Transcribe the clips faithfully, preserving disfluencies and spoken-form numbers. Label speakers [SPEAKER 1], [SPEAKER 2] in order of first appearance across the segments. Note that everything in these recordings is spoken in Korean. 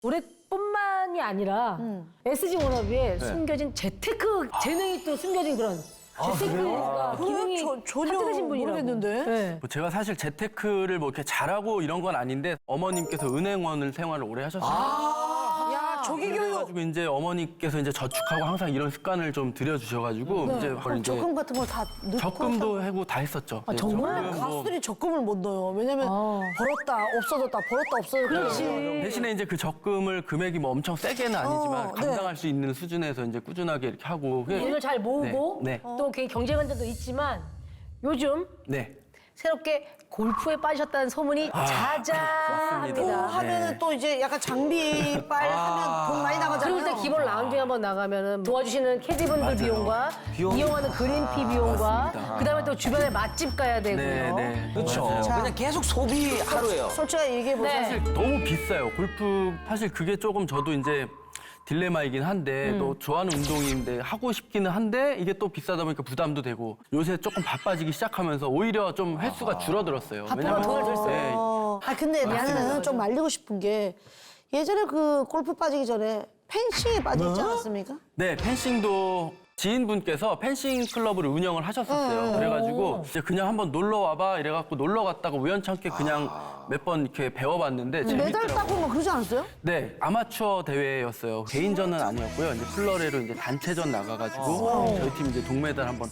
[SPEAKER 1] 노래뿐만이 아니라 에스지 워너비에 숨겨진 재테크 재능이 또 숨겨진 그런 재테크가 기능이
[SPEAKER 2] 저- 전혀
[SPEAKER 1] 탑재되신 분이라고.
[SPEAKER 2] 모르겠는데?
[SPEAKER 1] 네.
[SPEAKER 3] 뭐 제가 사실 재테크를 뭐 이렇게 잘하고 이런 건 아닌데 어머님께서 은행원을 생활을 오래 하셨어요.
[SPEAKER 2] 야, 조기 교육.
[SPEAKER 3] 그래가지고 이제 어머니께서 이제 저축하고 항상 이런 습관을 좀 들여주셔가지고 이제 그걸 이제
[SPEAKER 2] 적금 같은 걸 다 넣고.
[SPEAKER 3] 적금도 하고 다 했었죠. 네,
[SPEAKER 1] 정말?
[SPEAKER 3] 적금 뭐
[SPEAKER 2] 가수들이 적금을 못 넣어요. 왜냐면 벌었다, 없어졌다, 벌었다, 없어졌다.
[SPEAKER 1] 그렇지.
[SPEAKER 3] 대신에 이제 그 적금을 금액이 뭐 엄청 세게는 아니지만
[SPEAKER 2] 어, 네.
[SPEAKER 3] 감당할 수 있는 수준에서 이제 꾸준하게 이렇게 하고 그게-
[SPEAKER 1] 돈을 잘 모으고
[SPEAKER 3] 네, 네.
[SPEAKER 1] 또 개인 경제 관점도 있지만 요즘
[SPEAKER 3] 네.
[SPEAKER 1] 새롭게 골프에 빠지셨다는 소문이
[SPEAKER 2] 또
[SPEAKER 1] 자자합니다.
[SPEAKER 2] 하면은 또 이제 약간 장비빨 하면 돈 많이 나가잖아요.
[SPEAKER 1] 그리고 일단 기본 라운딩 한번 나가면은 도와주시는 캐디분들 비용과
[SPEAKER 4] 비용.
[SPEAKER 1] 이용하는 그린피 비용과
[SPEAKER 3] 맞습니다.
[SPEAKER 1] 그다음에 또 주변에 맛집 가야 되고요.
[SPEAKER 3] 네, 네.
[SPEAKER 4] 그렇죠.
[SPEAKER 3] 맞아요.
[SPEAKER 4] 그냥 계속 소비 하루예요.
[SPEAKER 2] 솔직하게 얘기해보세요.
[SPEAKER 1] 네.
[SPEAKER 3] 사실 너무 비싸요. 골프 사실 그게 조금 저도 이제 딜레마이긴 한데 또 좋아하는 운동인데 하고 싶기는 한데 이게 또 비싸다 보니까 부담도 되고 요새 조금 바빠지기 시작하면서 오히려 좀 횟수가 줄어들었어요.
[SPEAKER 1] 바쁘면 돈을 덜 써요.
[SPEAKER 3] 네.
[SPEAKER 2] 어, 아 근데 나는 좀 말리고 싶은 게 예전에 그 골프 빠지기 전에 펜싱에 빠져 있지 않았습니까?
[SPEAKER 3] 네, 펜싱도 지인분께서 펜싱 클럽을 운영을 하셨었어요. 그래가지고 이제 그냥 한번 놀러 와봐 이래갖고 놀러 갔다가 우연찮게 그냥 몇 번 이렇게 배워봤는데
[SPEAKER 2] 메달
[SPEAKER 3] 재밌더라고요.
[SPEAKER 2] 따고 뭐 그러지 않았어요?
[SPEAKER 3] 네, 아마추어 대회였어요. 개인전은 아니었고요. 이제 플러레로 이제 단체전 나가가지고 저희 팀 이제 동메달 한번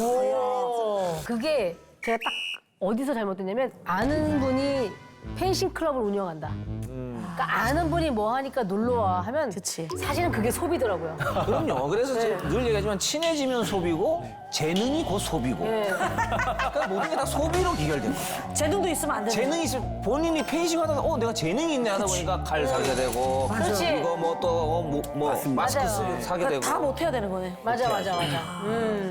[SPEAKER 3] 따고.
[SPEAKER 1] 그게 제가 딱 어디서 잘못됐냐면 아는 분이 펜싱 클럽을 운영한다. 그러니까 아는 분이 뭐 하니까 놀러 와 하면
[SPEAKER 2] 그치.
[SPEAKER 1] 사실은 그게 소비더라고요.
[SPEAKER 4] 그럼요. 그래서
[SPEAKER 1] 네.
[SPEAKER 4] 제가 늘 얘기하지만 친해지면 소비고 재능이 곧 소비고.
[SPEAKER 1] 네.
[SPEAKER 4] 그러니까 모든 게 다 소비로 기결됩니다.
[SPEAKER 2] 재능도 있으면 안 되는
[SPEAKER 4] 재능이 있을 본인이 펜싱 하다가 어 내가 재능이 있네 하다 보니까 칼 사게 되고
[SPEAKER 1] 그렇지.
[SPEAKER 4] 이거 뭐 또 뭐, 뭐 마스크
[SPEAKER 1] 맞아요.
[SPEAKER 4] 쓰- 사게 되고
[SPEAKER 2] 다 못해야 되는 거네.
[SPEAKER 1] 맞아, 맞아, 맞아. 음.